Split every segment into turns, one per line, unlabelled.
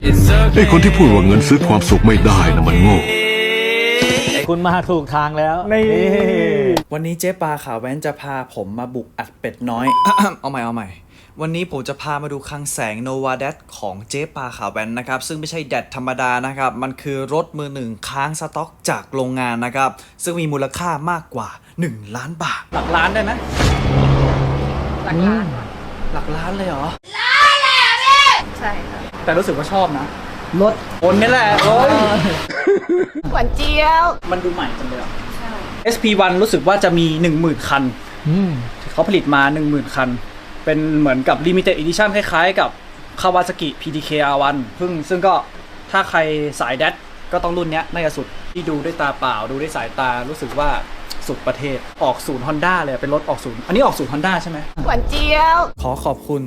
ไอ้คนที่พูดว่าเงินซื้อความสุขไม่ได้นะมันโง่
คุณมาถูกทางแล้ว
นี่วันนี้เจ๊ปาขาแว้นจะพาผมมาบุกอัดเป็ดน้อย เอาใหม่วันนี้ผมจะพามาดูคลังแสง Nova Dad ของเจ๊ปาขาแว้นนะครับซึ่งไม่ใช่แดดธรรมดานะครับมันคือรถมือหนึ่งค้างสต็อกจากโรงงานนะครับซึ่งมีมูลค่ามากกว่า1 ล้านบาทหลักล้านได้ไหมหลักล้านหลักล้านเลยเหรอล้านเลยอ่ะพี่ใช่ครับแต่รู้สึกว่าชอบนะรถคนนี่แหละโอ้ย
หวานเจี๊ยว
มันดูใหม่จังเลยอ่ะ SP1 รู้สึกว่าจะมี 10,000 คันเขาผลิตมา 10,000 คันเป็นเหมือนกับ Limited Edition คล้ายๆกับ Kawasaki PDK R1 ซึ่งก็ถ้าใครสายแดดก็ต้องรุ่นนี้น่าจะสุดที่ดูด้วยตาเปล่าดูด้วยสายตารู้สึกว่าสุดประเทศออกศูนย์ Honda เลยเป็นรถออกศูนย์อันนี้ออกศูนย์ Honda ใช่ไหม
หวานเจี๊ยว
ขอขอบคุณ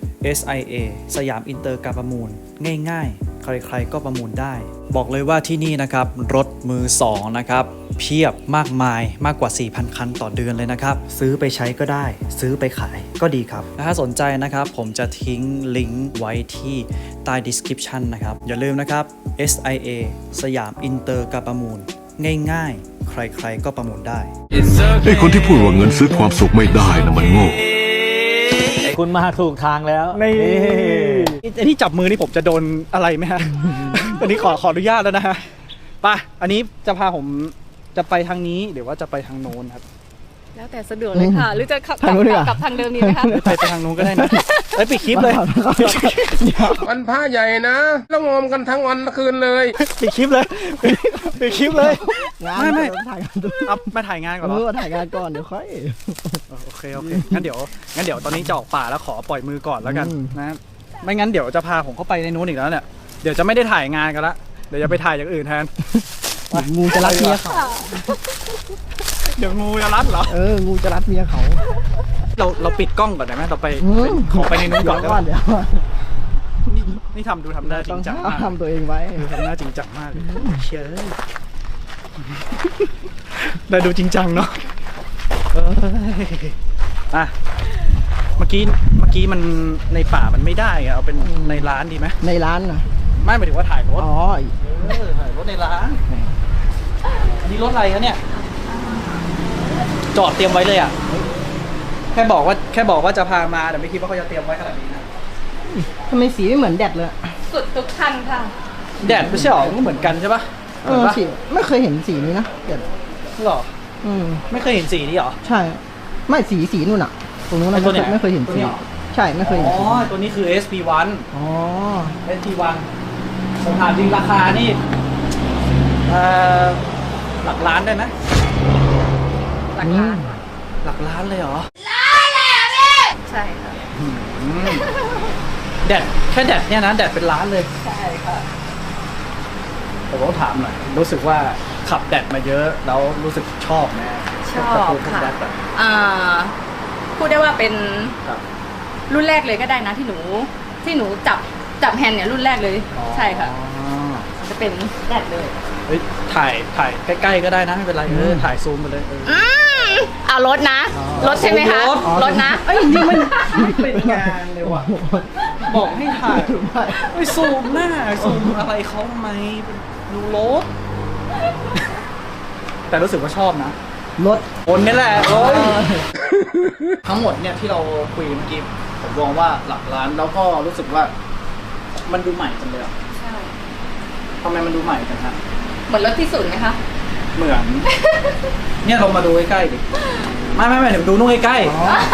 SIA สยามอินเตอร์การประมูลง่ายๆใครๆก็ประมูลได้บอกเลยว่าที่นี่นะครับรถมือ2นะครับเพียบมากมายมากกว่า 4,000 คันต่อเดือนเลยนะครับซื้อไปใช้ก็ได้ซื้อไปขายก็ดีครับถ้าสนใจนะครับผมจะทิ้งลิงก์ไว้ที่ใต้ description นะครับอย่าลืมนะครับ SIA สยามอินเตอร์การประมูลง่ายๆใครๆก็ประมูลได้
ไอ้คนที่พูดว่าเงินซื้อความสุขไม่ได้นะมันโง่
คุณมาถูกทางแล้ว
นี่ไอ้ที่จับมือนี่ผมจะโดนอะไรไหมฮะ ตอนนี้ขออนุญาตแล้วนะฮะป่ะอันนี้จะพาผมจะไปทางนี้หรือว่าจะไปทางโน้นครับ
แล้วแต่สะดวกเลยค่ะหรือจะขับกลับทางเดิมนี้ไหมคะ
ไปทางโน้นก็ได้นะไปปิดคลิปเลย
วันพระใหญ่นะแล้วงอมกันทั้งวันทั้งคืนเลย
ปิดคลิปเลยปิดคลิปเลยไม่
ถ่ายงาน
เอามาถ่ายงานก่อนเหรอ
ถ่ายงานก่อนเดี๋ยวค่อย
โอเคงั้นเดี๋ยวตอนนี้จะออกป่าแล้วขอปล่อยมือก่อนแล้วกันนะไม่งั้นเดี๋ยวจะพาผมเข้าไปในนู้นอีกแล้วเนี่ยเดี๋ยวจะไม่ได้ถ่ายงานกันละเดี๋ยวจะไปถ่ายอย่างอื่นแทน
งูจะรัดเมียเขา
เดี๋ยวงูจะรัดเหรอ
งูจะรัดเมียเขา
เราปิดกล้องก่อนได้ไหมเราไปขอไปในนู้นก่อนเดี๋ยวนี่ทำได้จริงจังมาก
ทำตัวเองไว้
ทำหน้าจริงจังมากเชื่อได้ดูจริงจังเนาะอ่ะเมื่อกี้มันในป่ามันไม่ได้เอาเป็นในร้านดีไหม
ในร้านนะ
ไม่หมายถึงว่าถ่ายรถถ่ายรถในร้านอันนี้รถอะไรคะเนี่ยจอดเตรียมไว้เลยอ่ะแค่บอกว่าจะพามาแต่ไม่คิดว่าเขาจะเตรียมไว้ขนาดนี้นะ
ทำไมสีไม่เหมือนแดดเลย
สุดทุกคันค่ะ
แดดไม่ใช่หรอก็เหมือนกันใช่ปะ
สีไม่เคยเห็นสีนี้นะแดด
หรอไม่เคยเห็นสีนี้หรอ
ใช่ไม่สีนู่นอ่ะตรงนู้นนะไม่เคยเห็นสีใช่ไม่เคยเห็น
ตัวนี้คือ SP1 SP1 ผมถามจริงราคานี่หลักล้านได้ไหมหลักล้านเลยเหรอ
ล้านเลยอ่ะพี่ใช่ค่ะ
แค่แดดเนี่ยนะแดดเป็นล้านเลย
ใช่ค่ะ
ผมต้องถามหน่อยรู้สึกว่าขับแดดมาเยอะแล้วรู้สึกชอบไหม
ชอบค่ะพูดได้ว่าเป็นรุ่นแรกเลยก็ได้นะที่หนูจับแฮนด์เนี่ยรุ่นแรกเลยใช่ค่ะจะเป็นแดดเลย
ถ่ายใกล้ๆก็ได้นะไม่เป็นไรถ่ายซูมไปเลย
เอารถนะรถใช่ไหมคะรถนะ
นี่มันเป็นงานเลยว่ะบอกให้ถ่ายไม่ซูมหน้าซูมอะไรเขาทำไมดูรถแต่รู้สึกว่าชอบนะ
รถ
คนนี่แหละทั้งหมดเนี่ยที่เราคุยเมื่อกี้ผมมองว่าหลักล้านแล้วก็รู้สึกว่ามันดูใหม่จังเลยอ่ะใช่ทำไมมันดูใหม่จังฮะ
เหมือนรถที่สุดไหมคะ
เหมือนเนี่ยเรามาดูใกล้ๆดิไม่เดี๋ยวดูนู่นใกล้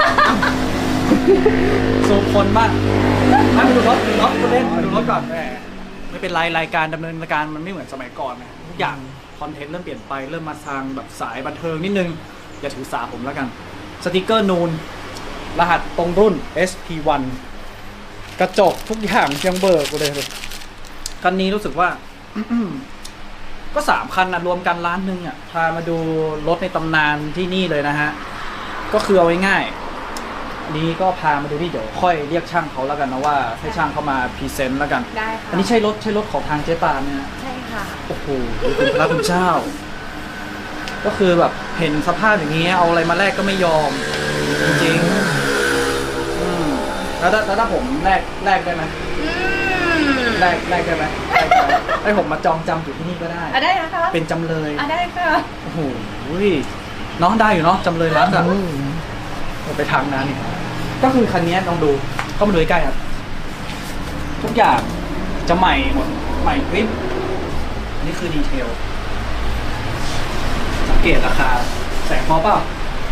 ๆซูมคนบ้างมาดูรถคุณเล่นมาดูรถก่อนไม่เป็นไรรายการดำเนินรายการมันไม่เหมือนสมัยก่อนนะทุกอย่างคอนเทนต์เริ่มเปลี่ยนไปเริ่มมาทางแบบสายบันเทิงนิดนึงอย่าถือสาผมแล้วกันสติกเกอร์นูนรหัสตรงรุ่น SP1 กระจกทุกอย่างยังเบิกเลยคันนี้รู้สึกว่าก็3 คันนะรวมกันล้านหนึ่งอ่ะพามาดูรถในตำนานที่นี่เลยนะฮะก็คือเอาง่ายๆนี้ก็พามาดูที่เดี๋ยวค่อยเรียกช่างเขาแล้วกันนะว่าให้ช่างเขามาพรีเซนต์แล้วกัน
ได้ค่ะ
อันนี้ใช่รถของทางเจ๊ปาเนี่ย
ใช่ค่ะ
โอ้โหคุณพระคุณเจ้าก็คือแบบเห็นสภาพอย่างนี้เอาอะไรมาแลกก็ไม่ยอมจริงๆแล้วถ้าผมแลกได้ไหมแรกได้ไหมให้ผมมาจองจำอยู่ที่นี่ก็ได้
ได้นะคะ
เป็นจำเลย
ได้ค่ะ
โอ้โหน้องได้อยู่เนาะจำเลยร้านแบบไปทางนั้นนี่ก็คือคันนี้ลองดูก็มาดูใกล้ๆครับทุกอย่างจะใหม่หมดใหม่กริปนี่คือดีเทลสังเกตราคาแสงพอเปล่า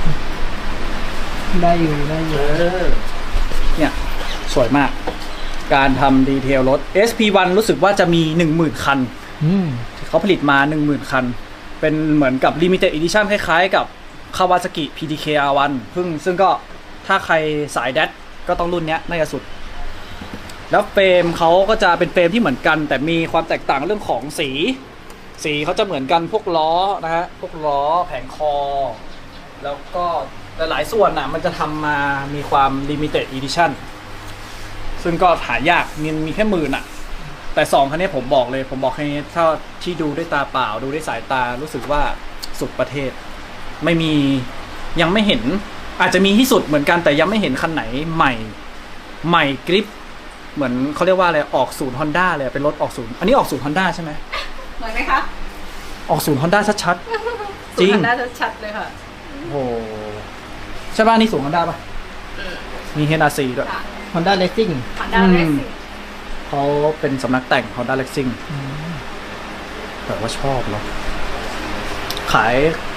ได้อยู่
เนี่ยสวยมากการทำดีเทลรถ SP1 รู้สึกว่าจะมี 10,000 คันเขาผลิตมา 10,000 คันเป็นเหมือนกับ Limited Edition คล้ายๆกับ Kawasaki PDK R1 ซึ่งก็ถ้าใครสายแดดก็ต้องรุ่นเนี้ยน่าจะสุดแล้วเฟรมเขาก็จะเป็นเฟรมที่เหมือนกันแต่มีความแตกต่างเรื่องของสีเขาจะเหมือนกันพวกล้อนะฮะพวกล้อแผงคอแล้วก็หลายส่วนน่ะมันจะทำมามีความ Limited Edition ซึ่งก็หายากมีแค่10,000อ่ะแต่2คันนี้ผมบอกแค่นี้ถ้าที่ดูด้วยตาเปล่าดูด้วยสายตารู้สึกว่าสุดประเทศไม่มียังไม่เห็นอาจจะมีที่สุดเหมือนกันแต่ยังไม่เห็นคันไหนใหม่กริปเหมือนเขาเรียกว่าอะไรออกศูนย์ Honda เลยเป็นรถออกศูนย์อันนี้ออกศูนย์ Honda ใช่ไหม
เหมือนไหมคะ
ออกศูนย์ Honda ชัดๆจริง
น่าจะชัดเลยค่ะ
โอ้ใช่ป่ะนี่ศูนย์ Honda ป่ะมี HRC ด้วย
Honda Racing
ผ่านดาวเล็กสิ
เขาเป็นสำนักแต่ง Honda Racing แต่ว่าชอบเนาะขาย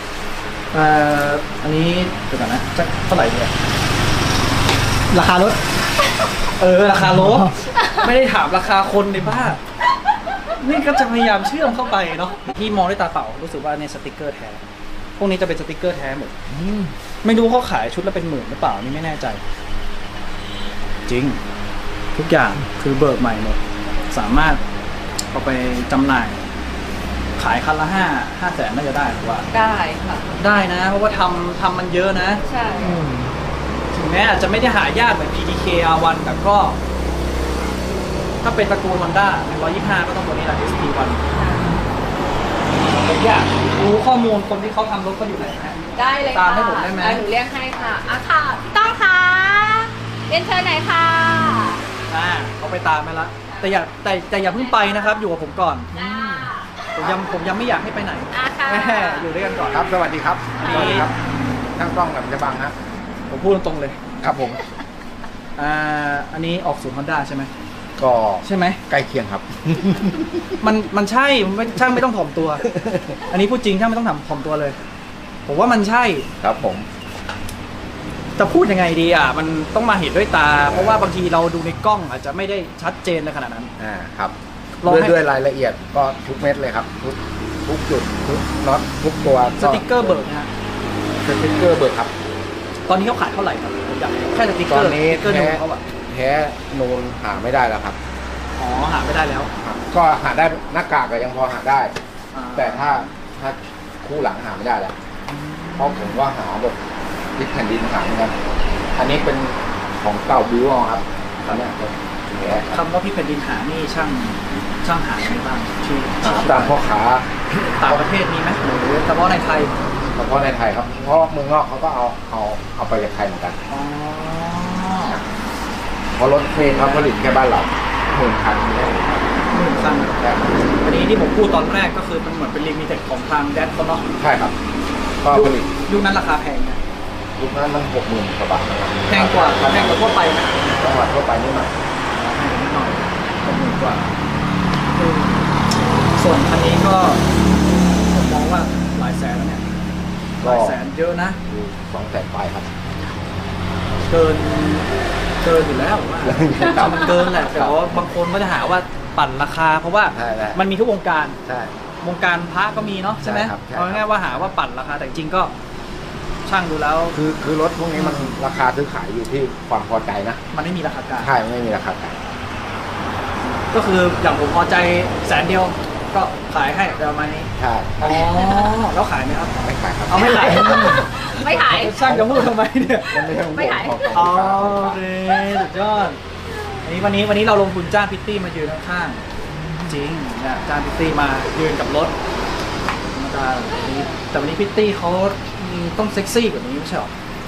อันนี้เดี๋ยวก่อนนะจะเท่าไหร่เนี่ย
ราคารถ
ราคารถ ไม่ได้ถามราคาคนในบ้านนี่ก็จะพยายามเชื่อมเข้าไปเนาะที่มองด้วยตาเปล่ารู้สึกว่าเนี่ยสติกเกอร์แท้พวกนี้จะเป็นสติกเกอร์แท้หมดไม่รู้เขาขายชุดละเป็น10,000หรือเปล่านี่ไม่แน่ใจจริงทุกอย่างคือเบิกใหม่หมดสามารถเอาไปจำหน่ายขายคันละ5 แสนน่าจะได้หรือว่า
ได้ค่ะ
ได้นะเพราะว่าทำมันเยอะนะ
ใช่
ถึงแม้อาจจะไม่ได้หายากเหมือน PDK R1 แต่ก็ถ้าเป็นตระกูล Honda 125 ก็ต้องตัวนี้แหละ SP1 ผมอยากรู้ข้อมูลคนที่เขาทำรถเขาอยู่ไหนนะ
ได้เลยค่ะ
ตามให้ผมได้ไหม
หนูเรียกให้ค่ะค่ะพี่ต้องค่ะเรียนเชิญไหนอยค่ะ
เขาไปตามไปละแต่อย่าเพิ่งไปนะครับอยู่กับผมก่อนผมยังไม่อยากให้ไปไหน
ค่ะ
แม่อยู่ด้วยกันก่อน
ครับสวัสดีครับ
อันนี้
สวัสดีครับช่างกล้องกับจะบังฮะ
ผมพูดตรงๆเลย
ครับผม
อันนี้ออกศูนย์ Honda ใช่ไหม
ก็
ใช่ไหม
ใกล้เคียงครับ
มันใช่ช่างไม่ต้องถ่อมตัว อันนี้พูดจริงช่างไม่ต้องถ่อมตัวเลย ผมว่ามันใช่
ครับผม
จะพูดยังไงดีอ่ะมันต้องมาเห็นด้วยตา เพราะว่าบางทีเราดูในกล้องอาจจะไม่ได้ชัดเจนในขนาดนั้น
ครับ
ลองให้
ด้วยรายละเอียดก็ทุกเม็ดเลยครับ ทุกจุดทุกน็อตทุกตัว
สติกเกอร์เบิร์กนะฮะ
สติ๊กเกอร์เบิกครับ
ตอนนี้เขาขายเท่าไหร่ครับผมอยากแค่สติกเก
ต
อ
อน
ร์
นี้
สติกเกอร์นูนเขาอะ
แท้นูนหาไม่ได้แล้วครับ
อ๋อหาไม่ได้แล้ว
ครับก็หาได้หน้ากากก็ยังพอหาได้
อ่า
แต่ถ้าคู่หลังหาไม่ได้แล้วเพราะผมว่าหาแบบยึดแผ่นดินหาเหมือนกันอันนี้เป็นของเก่าบิวครับตอนนี้แท้
คำว่าพี่แผ่นดินหานี่ช่างหาไม่บ้างที่
หาตามพ่อค้า
ต่างประเทศมีไหมหรือเฉพาะในไทย
เฉพาะในไทยครับ เพราะเมืองนอกเขาก็เอาไปจากไทยเหมือนกัน
อ๋อ
เพราะรถเพลงเขาผลิตแค่บ้านเรา10,000 คันไม่ได้
10,000 คันอันนี้ที่ผมพูดตอนแรกก็คือมันเหมือนเป็นลิมิเต็ดของทางแดดเขาเนาะ
ใช่ครับ ก็ผลิต
ยุคนั้นราคาแพงนะ
ยุคนั้นมัน60,000 กว่าบาทนะครับ
แพงกว่าทั่วไปนะ
จังหวัดทั่วไปนิดหน่อย
แพงนิดหน่อย60,000 กว่าส่วนคันนี้ก็ผมมองว่าหลายแสนแล้วเนี่ยหลายแสนเยอะนะ
คือ200,000 ปลายครับ
เกินอยู่แล้วว่ามันเกินแหละแต่ว่าบางคนก็จะหาว่าปั่นราคา เพราะว่า
ใช่
มันมีทุกวงการ
ใช่
วงการพระก็มีเนาะใช่ไหม
ใช่ครับใช่ครับ
เอาง่ายๆว่าหาว่าปั่นราคาแต่จริงๆก็ช่างดูแล้ว
คือรถพวกนี้มันราคาซื้อขายอยู่ที่ความพอใจนะ
มันไม่มีราคากลาง
ใช่ไม่มีราคากลาง
ก็คืออย่างผมพอใจ100,000ก็ขายให้ประมาณนี้
ใช่
อ๋อแล้วขายไหมครับ
ไม่ขายครับ
เอาไม่ขาย
ไม่ขาย
ช่างจะพูดทำไมเนี่ย
มันไม่ใช่ของ
ไม่ขาย
ของ
อ๋อ
ของ
โอเคสุดยอดวันนี้เราลงทุนจ้างพิตตี้มายืนข้างๆจริงเนี่ยจ้างพิตตี้มายืนกับรถธรรมดาแบบนี้แต่วันนี้พิตตี้เขาต้องเซ็กซี่กว่านี้ไม่ใช่หรอ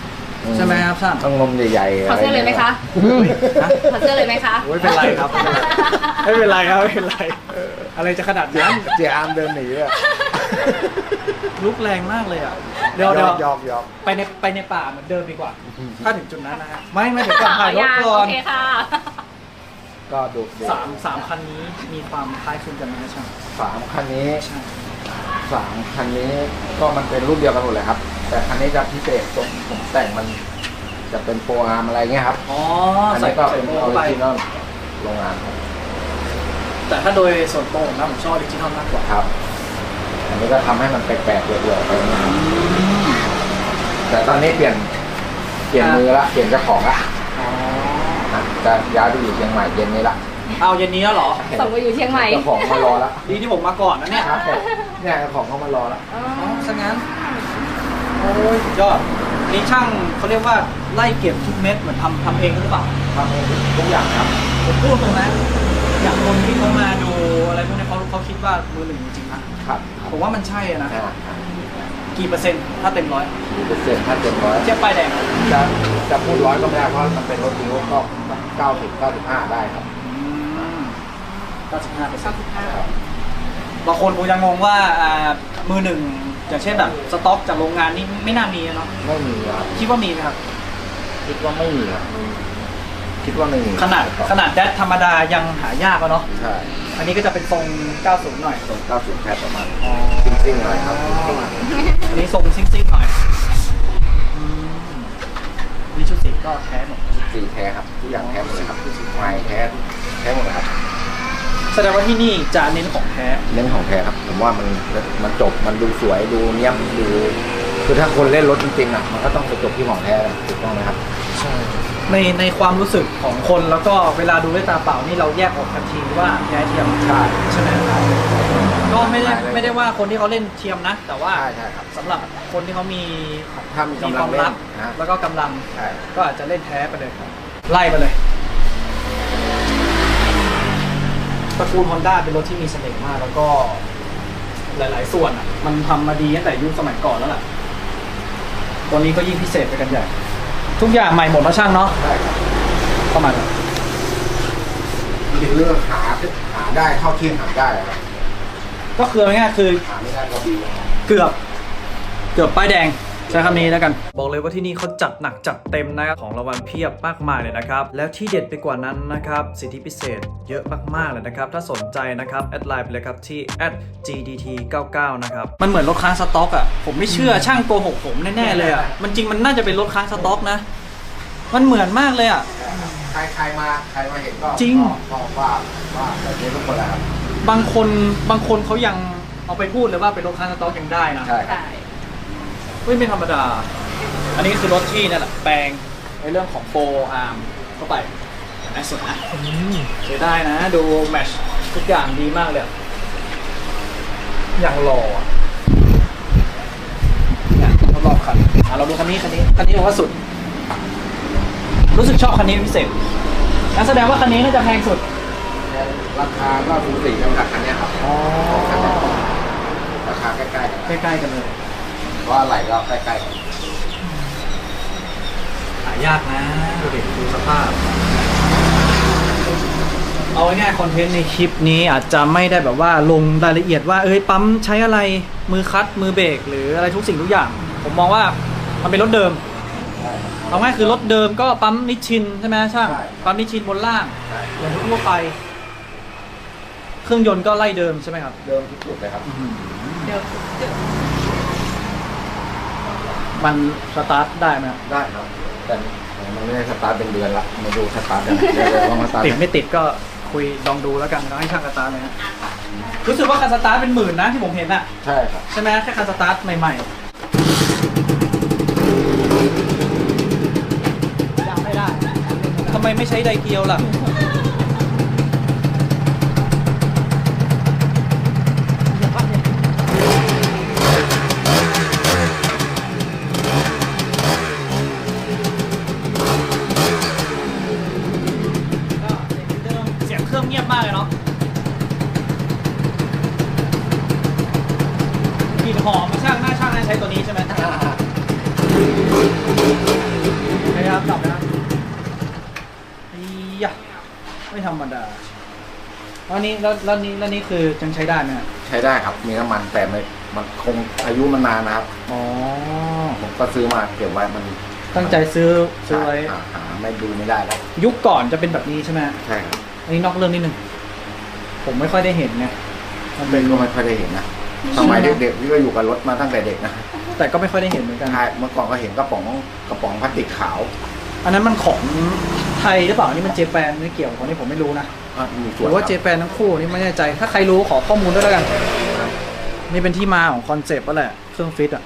ใช่ไหมครับช่าง
ต้องนมใหญ่ๆ
ขอเสื้อเลยไหมคะ
ฮะ
ขอเสื้อเลยไหมคะ
ไม่เป็นไรครับไม่เป็นไรครับไม่เป็นไรอะไรจะขนาดนั้น
เจียอามเดินหนีอ่ะ
ลุกแรงมากเลยอ่ะเดี๋ยว
ยอก
ไปในป่าเหมือนเดิมดีกว่า ถ้าถึงจุดนั้นนะฮะไม่ถึงก่อนถ่ายรถก่อน
โอเคค่ะ
ก็ดู
สามคันนี้มีความคล้ายคลึงกันไหมครับช่าง
3 คันนี้
ใช่
3 คันนี้ก็มันเป็นรุ่นเดียวกันหมดเลยครับ แต่คันนี้จะพิเศษตรงผมแต่งมันจะเป็นโปรอาร์มอะไรเงี้ยครับ
อ๋อ
อัน
ใส่
นี้ก็
ใส่
เป็น
โม่
ออ
ไป
ริจินอลโรงงานครับ
แต่ถ้าโดยส่วนตัวผมนะผมชอบออริจินอลมากกว่า
ครับ อันนี้ก็ทำให้มันแปลกๆเรื่อยๆไปนะครับแต่ตอนนี้เปลี่ยนมือละเปลี่ยนเจ้าของละ
อ๋อ
จะย้ายไปอยู่เชียงใหม่เย็นนี้ละ
เอาเย็นนี้แล้วเหรอ
ส่งไปอยู่เชียงใหม่
เจ้าของมารอละ
ดีที่ผมมาก่อนนะเนี่ย
ครับเนี่ยเจ้าของเขามารอละ
อ๋อ
อ๋อซะงั้นโอ้ยสุดยอดนี่ช่างเขาเรียกว่าไล่เก็บทุกเม็ดเหมือนทำเองหรือเปล่า
ทำเองทุกอย่างครับ
ผมพูดตรงนะอย่างคนที่เขามาดูอะไรพวกนี้เขาคิดว่ามือหนึ่งจริงๆนะครับ ผมว่ามันใช่อะนะกี่เปอร์เซ็นต์ถ้าเต็มร้อย
10%ถ้าเต็มร้อย
เทียบป้ายแดง
จะพูด100ก็ไม่ได้เพราะมันเป็นรถดีโอก็90-95ได้ครับ
95%บางคนคงจะงงว่ามือหนึ่งอย่างเช่นแบบสต็อกจากโรงงานนี่ไม่น่ามีเนาะ
ไม่มีครับ
คิดว่ามีไหมครับ
คิดว่าไม่มีครับคิดว่าไม่มี
ขนาดแดดธรรมดายังหายากอะเนาะ
ใช่
อันนี้ก็จะเป็นทรง 90 หน่อย
ตรง90แค่ประมาณซิ่งๆหน่อยครับ
อันนี้ทรงซิ่งๆหน่อยอืมนี่ชุดสีก็แท้หมด
สีแท้ครับทุกอย่างแท้หมดเลยครับไม้แท้หมดเลยครับ
แสดงว่าที่นี่จะเน้นของแท้
เน้นของแท้ครับผมว่ามันจบมันดูสวยดูเนียบดูคือถ้าคนเล่นรถจริงๆอ่ะมันก็ต้องไปจบที่ของแท้เลยถูกต้องไหมครับ
ใช่ในความรู้สึกของคนแล้วก็เวลาดูด้วยตาเปล่านี่เราแยกออกทันทีว่าแท้เทียม
ใช่
ใช่ไหมก็ไม่ได้ว่าคนที่เขาเล่นเทียมนะ แต่ว่า
ใช่ครับ
สำหรับคนที่เขามี
ถ้ามี
มี
กำ
ค
ลั
วาง ม
เล่
รั
น
ก
นะ
แล้วก็กำลัง
ใช่
ก็อาจจะเล่นแท้ไปเลยไล่ไปเลยตระกูล Honda เป็นรถที่มีเสน่ห์มาก แล้วก็หลาย ๆ ส่วนอ่ะ มันทำมาดีตั้งแต่ยุคสมัยก่อนแล้วแหละตัวนี้ก็ยิ่งพิเศษไปกันใหญ่ทุกอย่างใหม่หมดแล้วช่างเนาะ
ใช่ครับ
ประมาณนั้น
คือหาได้เท่าที่หาได้ครับ
ก็คือง่ายๆคือ
หาไม่ได้ก็ดี
เกือบป้ายแดงใช้คำนี้แล้วกันบอกเลยว่าที่นี่เขาจัดหนักจัดเต็มนะครับของรางวัลเพียบมากมายเลยนะครับแล้วที่เด็ดไปกว่านั้นนะครับสิทธิพิเศษเยอะมากๆเลยนะครับถ้าสนใจนะครับแอดไลน์ไปเลยครับที่ @gdt99 นะครับมันเหมือนรถค้างสต็อกอ่ะผมไม่เชื่อช่างโกหกผมแน่ๆเลยอ่ะมันจริงมันน่าจะเป็นรถค้างสต็อกนะมันเหมือนมากเลยอ่ะ
ใครมาเห็นก็
จริง
ก็ว่าแบบนี้ทุกคนแหละครับ
บางคนเขายังเอาไปพูดเลยว่าเป็นรถค้างสต็อกยังได้นะ
ใช่ครับ
ไม่ธรรมดา อันนี้คือรถที่นั่นแหละแปลงในเรื่องของโฟอาร์มเข้าไปน่าสนนะใช้ได้นะ ดูแมชทุกอย่างดีมากเลยอะอย่างหล่ออะเนี่ยรอบๆคันเราดูคันนี้ผมว่าสุด รู้สึกชอบคันนี้เป็นพิเศษงั้นแสดงว่าคันนี้น่าจะแพงสุด
ราคาก็สูสีกันกับคันเนี้ยครับ
อ๋อ
ราคาใกล้ๆกัน
ใกล้ๆกันเลย
เพราะอะไรก็ใกล้ๆกัน
หายากนะดูสภาพ เอาง่ายๆคอนเทนต์ในคลิปนี้อาจจะไม่ได้แบบว่าลงรายละเอียดว่าปั๊มใช้อะไรมือคัตมือเบรกหรืออะไรทุกสิ่งทุกอย่าง ผมมองว่ามันเป็นรถเดิมเอาง่ายคือรถเดิมก็ปั๊มนิชชินใช่ไหมช่างปั๊มนิชชินบนล่างอย่างทั่วไป เครื่องยนต์ก็ไล่เดิมใช่ไหมครับ
เดิมทุกจุดเลยครับ
เดี๋ยว
มันสตาร์ทได้ไหมครับ
ได้ครับ แต่มันไม่ได้สตาร์ทเป็นเดือนละมาดูสตาร์ทกันเดี๋ยวลองสตาร์ท
ติดไม่ติดก็คุยลองดูแล้วกันแล้วให้ช่างสตาร์ทเลยนะรู้สึกว่าคันสตาร์ทเป็น10,000นะที่ผมเห็นอะ
ใช่ครับ
ใช่ไหมแค่คันสตาร์ทใหม่ๆยังไม่ได้ทำไมไม่ใช้ไดเกียวล่ะเสียงเครื่องเงียบมากเลยเนาะกลิ่นหอมช่างหน้าช่างน่าใช้ตัวนี้ใช่ไหมไม่ธรรมดาแล้วนี่คือยังใช้ได้ไหมฮะ
ใช้ได้ครับ มีน้ำมันแต่มันคงอายุมันนานนะครับ
อ๋อ
ผมก็ซื้อมาเก็บไว้มัน
ตั้งใจซื้อไว้
หาไม่ดูไม่ได้แล้ว
ยุคก่อนจะเป็นแบบนี้ใช่ไหม
ใช่ครับ
อันนี้นอกเรื่องนิดนึงผมไม่ค่อยได้เห็นไงมันเป็น
ก็ไม่ค่อยได้เห็นนะสมัยเด็กๆพี่ก็อยู่กับรถมาตั้งแต่เด็กนะ
แต่ก็ไม่ค่อยได้เห็นเหมือนกัน
ใช่เมื่อก่อนก็เห็นกระป๋องพลาสติกขาว
อันนั้นมันของไทยหรือเปล่านี่มันเจแปนไม่เกี่ยวของนี่ผมไม่รู้นะ
มี
ห
ส่วน
รือว่าเจแปนทั้งคู่นี่ไม่แน่ใจถ้าใครรู้ขอข้อมูลด้วยแล้วกันนี่เป็นที่มาของคอนเซปต์ก็แหละเครื่องฟิตอ่ะ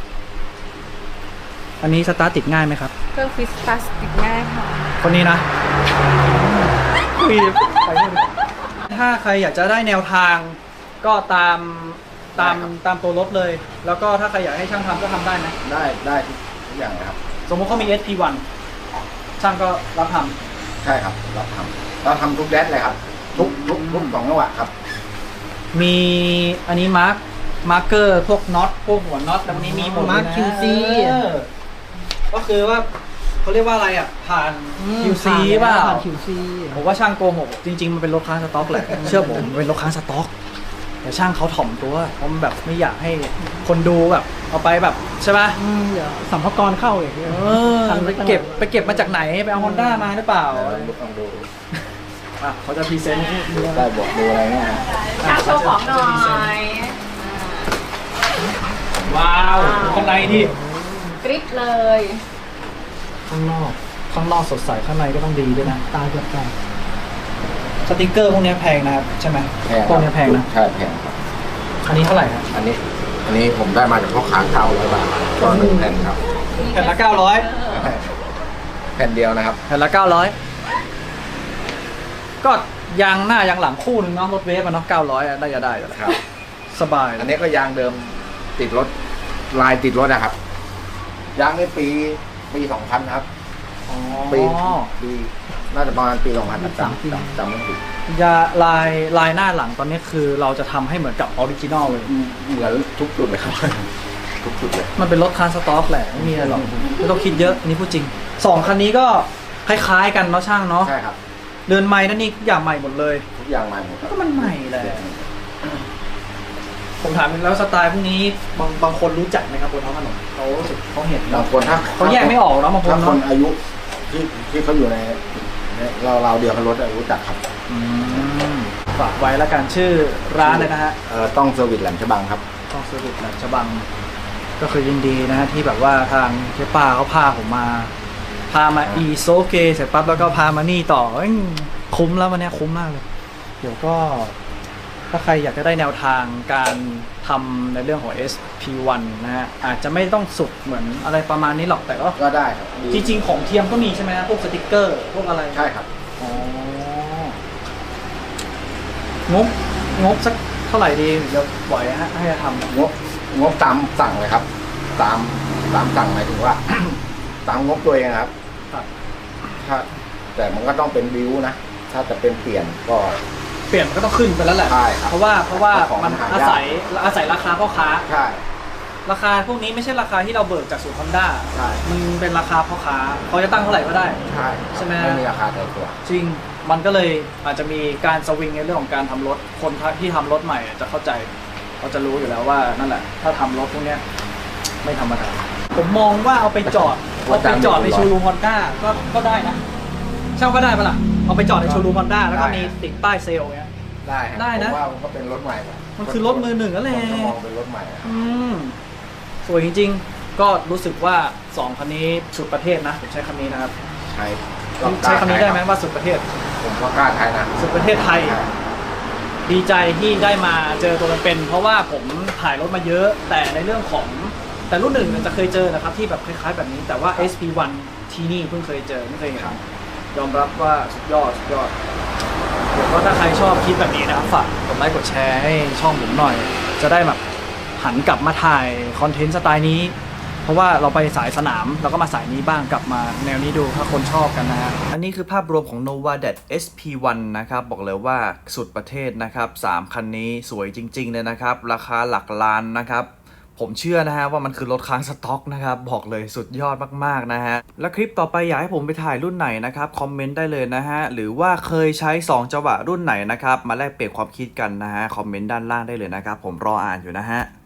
อันนี้สตาร์ทติดง่ายไหมครับ
เครื่องฟิสพลาสติกง่ายค่ะ
คนนี้นะคุยไปนู่นถ้าใครอยากจะได้แนวทางก็ตามตัวรถเลย แล้วก็ถ้าใครอยากให้ช่างทำก็ทำได้นะ
ได้ทุกอย่างเลยครับ
สมมติเขามี SP1 ช่างก็รับท
ใช่ครับเราทำทุกแดดเลยครับ ทุก2จังหวะครับ
ำมีอันนี้มาร์กเกอร์พวกน็อตพวกหัวน็อตแล้ววันนี้มีหมดเลยนะ
มาร์ค QC
ก็คือว่าเขาเรียกว่าอะไรอ่ะผ่าน QC เปล่า
ผ่าน QC
ผมว่าช่างโกหกจริงๆมันเป็นรถค้างสต็อกแหละ เชื่อผมมันเป็นรถค้างสต็อกแต่ช่างเขาถ่อมตัวเพราะมันแบบไม่อยากให้คนดูแบบเอาไปแบบใช่ป่ะ
เดี๋ยวสัมภาระเข้าอีก
ไปเก็บมาจากไหนไปเอาฮอนด้ามาหรือเปล่า
ลองดู
อ่ะเขาจะพรีเซนต์
ได้บอกดูอะไรเงี้ย
ช่างโชว์ของหน่อย
ว้าวข้างในนี่
กริปเลย
ข้างนอกสดใสข้างในก็ต้องดีด้วยนะ
ตาเกือบแตก
สติกเกอร์พวกนี้แพงนะครับใช่ไหมพวกนี้แพงนะ
ใช่แพงครับ
อันนี้เท่าไหร่ครับ
อันนี้ผมได้มาจากพ่อค้า900 บาทก็1แผ่นครับ
แผ่นละ900
แผ่นเดียวนะครับ
แผ่นละ900ก็ยางหน้ายางหลังคู่หนึงเนาะรถเวฟอะเนาะ900อะได้อยู่แล้ว
ครับ
สบาย
อันนี้ก็ยางเดิมติดรถลายติดรถนะครับ ยางในปี 2000 ครับ
อ๋อ
ปีน่าจะประมาณปี 2000จำไม่ผิด
ยาลายหน้าหลังตอนนี้คือเราจะทำให้เหมือนกับออริจินอลเลย
เหมือนทุกจุดเลยครับ ทุกจุดเลย
มันเป็นรถคาร์สต็อกแหละไม่มีอะไรหรอกไม่ต้องคิดเยอะอันนี้พูดจริง2คันนี้ก็คล้ายๆกันเนาะช่างเนาะ
ใช่ครับ
เรือนไม้นั่นนี่ทุกอย่างใหม่หมดเลย
ทุกอย่างใหม่หมดครับ
ก็มันใหม่แหละผมถามแล้วสไตล์พวกนี้บางคนรู้จักไหมครับบนท้องถนนเขารู้สึกเขาเห็น
บางคนถ้า
เขาแยกไม่ออกเนาะบางคน
ถ้าค
เนาะ
นอายุที่เขาอยู่ในเราเดียวกันรถรู้จักครับ
ฝากไว้แล้วกันชื่อร้านเลยนะฮะ
ต้องเซอร์วิสแหลมฉบังครับ
ต้องเซอร์วิสแหลมฉบังก็คือยินดีนะฮะที่แบบว่าทางเจ๊ป้าเขาพาผมมาอีโซเกเสร็จปั๊บแล้วก็พามานี่ต่อคุ้มแล้ววันนี้คุ้มมากเลยเดี๋ยวก็ถ้าใครอยากจะได้แนวทางการทำในเรื่องของ SP1 นะฮะอาจจะไม่ต้องสุดเหมือนอะไรประมาณนี้หรอกแต่ก็
ก็ได้ครับ
จริงๆของเทียมก็มีใช่ไหมฮะพวกสติกเกอร์พวกอะไร
ใช่ครับ
อ๋องบสักเท่าไหร่ดีเดี๋ยวปล่อยให้ทำ
งบตามสั่งเลยครับ ตามสั่งหมายถึงว่า ตามงบตัวเองครับ
ครับ
ถ้าแต่มันก็ต้องเป็นบิวนะ ถ้าจะเป็นเปลี่ยนก็
เปลี่ยนมันก็ต้องขึ้นไปแล้วแหละ
ใช่ครับ
เพราะว่า
ของ
มัน
หายาก
อาศัยราคาพ่อค้า
ใช่
ราคาพวกนี้ไม่ใช่ราคาที่เราเบิกจากศูนย์ฮอนด้า
ใช่
มันเป็นราคาพ่อค้าเขาจะตั้งเท่าไหร่ก็ได้
ใช่
ใช่ไหม
ไม่มีราคาตายตัว
จริงมันก็เลยอาจจะมีการสวิงในเรื่องของการทำรถคนที่ทำรถใหม่จะเข้าใจเขาจะรู้อยู่แล้วว่านั่นแหละถ้าทำรถพวกเนี้ยไม่ธรรมดาผมมองว่าเอาไปจอดในโชว์รูมฮอนด้าก็ได้นะเช่าก็ได้ปะล่ะเอาไปจอดในโชว์รูมฮอนด้าแล้วก็มีติดป้ายเซลล์เงี้ย
ได้ครับ
ได้นะ
ผมว่ามันก็เป็นรถใหม่
มันคือรถมือหนึ่งนั่นแหละ
คนก็มองเป็นรถใหม่อะ
สวยจริงๆก็รู้สึกว่า2คันนี้สุดประเทศนะผมใช้คำนี้นะครับ
ใช่
ใช้คำนี้ได้ไหมว่าสุดประเทศ
ผมก็กล้าใช้นะ
สุดประเทศไทย ดีใจที่ได้มาเจอตัวเป็นๆเพราะว่าผมถ่ายรถมาเยอะแต่ในเรื่องของแต่รุ่นหนึ่งจะเคยเจอนะครับที่แบบคล้ายๆแบบนี้แต่ว่า SP1 ที่นี่เพิ่งเคยเจอไม่เคยเห็นยอมรับว่าสุดยอดเดี๋ยวก็ถ้าใครชอบคลิปแบบนี้นะครับฝากกดไลค์กดแชร์ให้ช่องผมหน่อย จะได้แบบหันกลับมาถ่ายคอนเทนต์สไตล์นี้เพราะว่าเราไปสายสนามเราก็มาสายนี้บ้างกลับมาแนวนี้ดูถ้าคนชอบกันนะฮะ
อันนี้คือภาพรวมของ Nova Dat SP1 นะครับบอกเลยว่าสุดประเทศนะครับ3คันนี้สวยจริงๆเลยนะครับราคาหลักล้านนะครับผมเชื่อนะฮะว่ามันคือรถค้างสต็อกนะครับบอกเลยสุดยอดมากๆนะฮะและคลิปต่อไปอยากให้ผมไปถ่ายรุ่นไหนนะครับคอมเมนต์ได้เลยนะฮะหรือว่าเคยใช้2จังหวะรุ่นไหนนะครับมาแลกเปลี่ยนความคิดกันนะฮะคอมเมนต์ด้านล่างได้เลยนะครับผมรออ่านอยู่นะฮะ